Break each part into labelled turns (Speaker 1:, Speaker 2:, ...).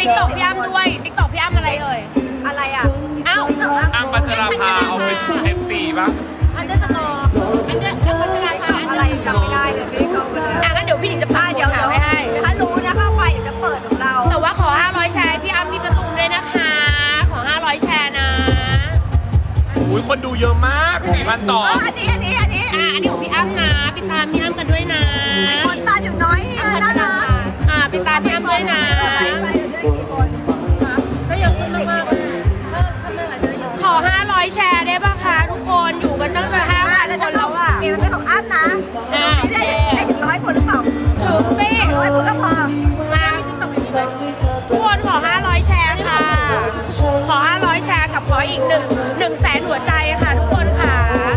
Speaker 1: ติ๊กต็อกพี่อ้ำด้วยติ๊กต็อกพี่อ้ำอะไรเอ่ย
Speaker 2: อะไรอ่ะ
Speaker 1: อ้าว
Speaker 3: อ้ำพัชราภาเอาเป็น FC ป่ะ
Speaker 2: อันเดอร์สกอร์อันเดอร์พัชราภาอะไรจำไม่ได้เลยไม่ได้เข้าไปเลย
Speaker 1: งั้นเดี๋ยวพี่หนิงจะพา
Speaker 2: เดี๋ยว
Speaker 1: ไม่ให้
Speaker 2: ถ้ารู้นะเข้าไปเดี๋ยวจะเปิดของเรา
Speaker 1: แต่ว่าขอ500แชร์พี่อ้ำพี่ประตูด้วยนะคะขอ500แชร์นะ
Speaker 3: อุ้ยคนดูเยอะมาก4,000ต่อ
Speaker 2: อันนี้ของ
Speaker 1: พี่อ้ำนะไปตามพี่อ้ำกันด้วยนะ
Speaker 2: คนตาอยู่น้อยนี่นะนะ
Speaker 1: ไปตามพี่อ้ำด้วยนะขอ500แชร์ได้ป่ะคะทุกคนอยู่กันตั้งแต่5,000คนแล้วอ่ะ
Speaker 2: มันเป็นของอ้ำนะได้ถึง100 คนหรือเปล่า
Speaker 1: ถูกสิ
Speaker 2: 100 คนก็พอ
Speaker 1: มาทุกคนขอ500แชร์ค่ะขอ500แชร์กับขออีก100,000หัวใจค่ะทุกคนค่ะ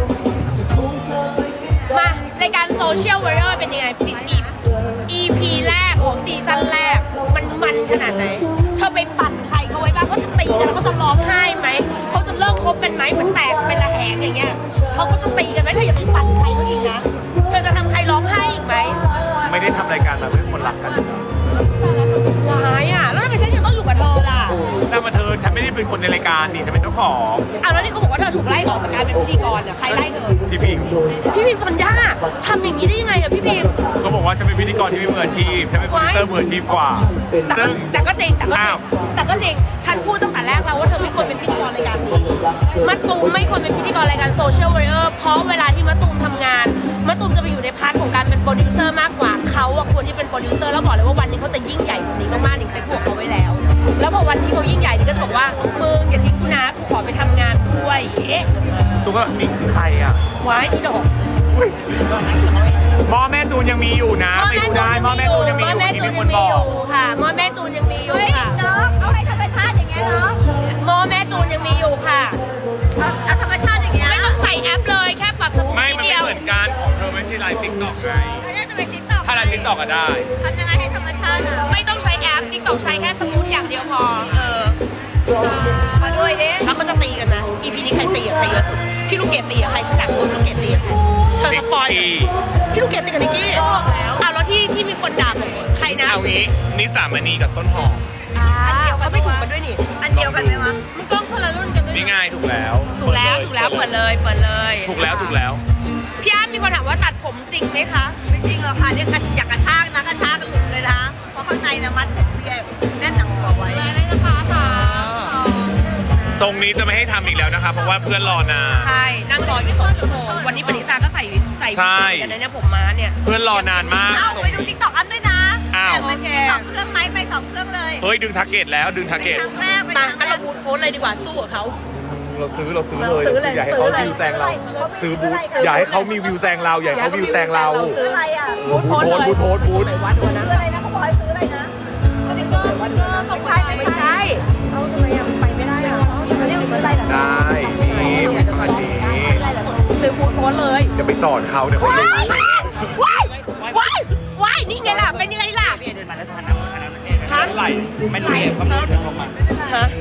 Speaker 1: มารายการโซเชียลวอร์เรอร์เป็นยังไงEP แรกของซีซั่นแรกมันขนาดไหนเธอไปปั่นใครเขาไว้บ้างเขาจะตีกันเขาจะร้องไห้ไหมเขาจะเลิกคบกันไหมเหมือนแตกเป็นระแหงอย่างเงี้ยเขาก็จะตีกันไหมเธออย่าไปปั่นใครเขาอีกนะเธอจะทำใครร้องไห้อีกไหม
Speaker 3: ไม่ได้ทำรายการมาเพื่อคนรักกัน
Speaker 1: ร้ายอ่ะแล้วทำไมฉันยังต้องอยู่กับเธอล่ะ
Speaker 3: แต่มาเธอฉันไม่ได้เป็นคนในรายการนี่ฉันเป็นเจ้าของ
Speaker 1: แล้วนี่เขาบอกว่าเธอถูกไล่ออกจากการเป็นพิธีกรอ่ะใครไล่เธอ
Speaker 3: พี่พิม
Speaker 1: ฟอนด้าทำอย่างนี้ได้ยังไงอ่ะพี่พิม
Speaker 3: เขาบอกว่าฉันเป็นพิธีกรที่ไม่มืออาชีพฉันเป็นโปรดิวเซอร์มืออาชีพกว่า
Speaker 1: แต่ก็จริงฉันพูดตั้งแต่แรกแล้วว่าเธอไม่ควรเป็นพิธีกรรายการนี้มะตูมไม่ควรเป็นพิธีกรรายการโซเชียลวอร์เรอร์เพราะเวลาที่มะตูมทำงานมะตูมจะไปอยู่ในพาร์ทของการเป็นโปรดิวเซอร์มากกว่าเขาควรที่เป็นโปรดิวเซอร์แล้วบอกเลยว่าวันนี้เขาจะยิ่งใหญ่กว่านี้มากๆหนิงเคยพูดเขาไว้แล้วพอวันที่เขายิ่งใหญ่นี่ก็จะบอกว่ามึงอย่าทิ้งกูนะกูขอไปทำงานด้วย
Speaker 3: ตัวก็มีใครอ่ะ
Speaker 1: ว้ายอีดอก
Speaker 3: หม้อแม่จูนยังมีอยู่นะไปดูได้หม้อแม่จูนยังมีอยู่ที่มีคนบอก
Speaker 1: ค่ะหม้อแม่จูนยังมีอยู่ค่ะ
Speaker 2: เอาให้ธรรมชาติอย่างเงี้ยเนาะ
Speaker 1: หม้อแม่จูนยังมีอยู่ค่ะ
Speaker 2: เอาธรรมชาติอย่างเงี้ย
Speaker 1: ไม่ต้องใส่แอปเลยแค่ปรับสมูท
Speaker 3: ไม่มันไม่เหมือนกันของเธอไม่ใช่ไลฟ์ติ๊กต็อกไงถ้าไลฟ์ติ๊กต็อกก็ได้
Speaker 2: ทำยังไงให้ธรรมชาติอ่ะ
Speaker 1: ไม่ต้องใช้แอปติ๊กต็อกใช้แค่สมูทอย่างเดียวพอมาด้วยดิแล้วเขาจะตีกันนะ EP นี้ใครตีกับใครเยอะสุดพี่ลูกเกดตีกับใครฉันอยากรู้ลูกเกดตีกับใครเธอสปอยพี่ลูกเกดตีกับนิกกี้แล้วที่มีคนด่าผมใครนะ
Speaker 3: เอางี้นิสามณีกับต้นหอม
Speaker 1: เขาไม่ถูกกันด้วยนี่
Speaker 2: อันเดียวกันไหมวะ
Speaker 1: มันต้องคนละรุ่นกัน
Speaker 3: นี่ง่ายถูกแล้ว
Speaker 1: เปิดเลยถูกแล้ว
Speaker 3: ถูกแล้ว
Speaker 1: พี่อ้ำมีคนถามว่าตัดผมจริงไหมคะ
Speaker 2: ไม่จริงหรอกค่ะเรียกกันอยากกระชากนะกระชากกันหลุดเลยนะเพราะข้างในนะมัดแน่นหนังตัวไว้
Speaker 1: เลยนะคะค่ะ
Speaker 3: ทรงนี้จะไม่ให้ทำอีกแล้วนะคะเพราะว่าเพื่อนรอนาน
Speaker 1: ใช่นั่งรออยู่2 ชั่วโมงวันนี้ปณิตาก็ใส่กันเนี่ยผมม้าเนี่ย
Speaker 3: เพื่อนรอนานมาก
Speaker 2: ไปดูติ๊กต็อกอันด้วยนะ
Speaker 1: โอเค
Speaker 2: 2 เครื่องไหมไป2 เครื่องเลย
Speaker 3: เฮ้ยดึงทาร์เก็ตแล้วดึงทาร์เก็ต
Speaker 1: มาเราบูทโพสเลยดีกว่าสู้กับเขา
Speaker 3: เราซื้อเลยอย่าให้เขาวิวแซงเราซื้อบูธอย่าให้เขามีวิวแซงเราอย่าให้เขาวิวแซงเรา
Speaker 2: ซื้ออะไรอ่ะ
Speaker 3: บูธ
Speaker 2: ซื้ออะไรนะเขาบอกให้ซื้ออะไรนะ
Speaker 1: สติ๊กเกอร์ไม่ใช่เอาทำไมยังไปไม่ได้อ่ะ
Speaker 2: เขาเรียกซื้ออะไร
Speaker 3: ได้นี่ขนาดนี้
Speaker 1: ซื้อบูธโพสเลย
Speaker 3: อย่าไปสอนเขาเดี๋ยวเขา
Speaker 1: ว้ายนี่ไงล่ะเป็นยังไงล่ะ
Speaker 3: ฮะไหลไม่รู้เขาไม่รู้ของมัน
Speaker 1: ฮะ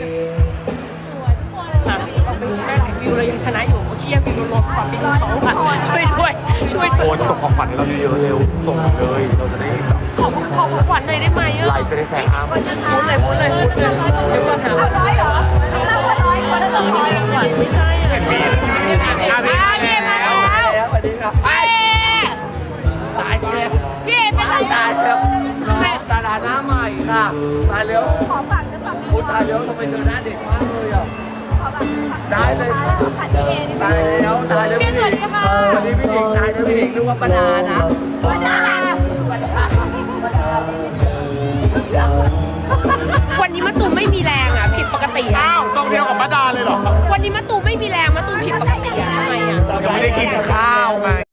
Speaker 1: ได้หลายวิวเลยยังชนะอยู่เชี่ยวิวรวมความเป็นเขาค่ะช่วย
Speaker 3: โอนส่งของขวัญให้เราเยอะๆเร็วส่งเลยเราจะได้แบบ
Speaker 1: ขอของขวัญหน่อยได้ไหม
Speaker 3: ไลฟ์จะได้แซงอ้าม
Speaker 1: พูดเลยเดี๋ยวก่อนนะ
Speaker 2: เอา100เหรอ100คนละ200
Speaker 1: ไม่ใช่
Speaker 3: เห็นมี
Speaker 1: มาแล้ว
Speaker 4: สวัสดีครับตายแล้ว
Speaker 1: พี่เอเป็นไร
Speaker 4: ตายแล้วดาราหน้าใหม่ค่ะตายแล้ว
Speaker 2: ขอฝากจะฝาก
Speaker 4: คุณตายแล้วทำไมเธอหน้าเด็กมากเลยอ่ะได้เลยตายแล้วพี่หนิงวันนี้พี่หนิงตายแล้วพี่หนิงนึกว่าปนานะ
Speaker 2: ปนา
Speaker 1: วันนี้มะตูมไม่มีแรงอ่ะผิดปกติ
Speaker 3: อ้าวทรงเดียวกับป้าดาเลยเหรอ
Speaker 1: วันนี้มะตูมไม่มีแรงมะตูมผิดปกติอ่ะทำไมอ่ะ
Speaker 3: ยังไม่ได้กินข้าวไง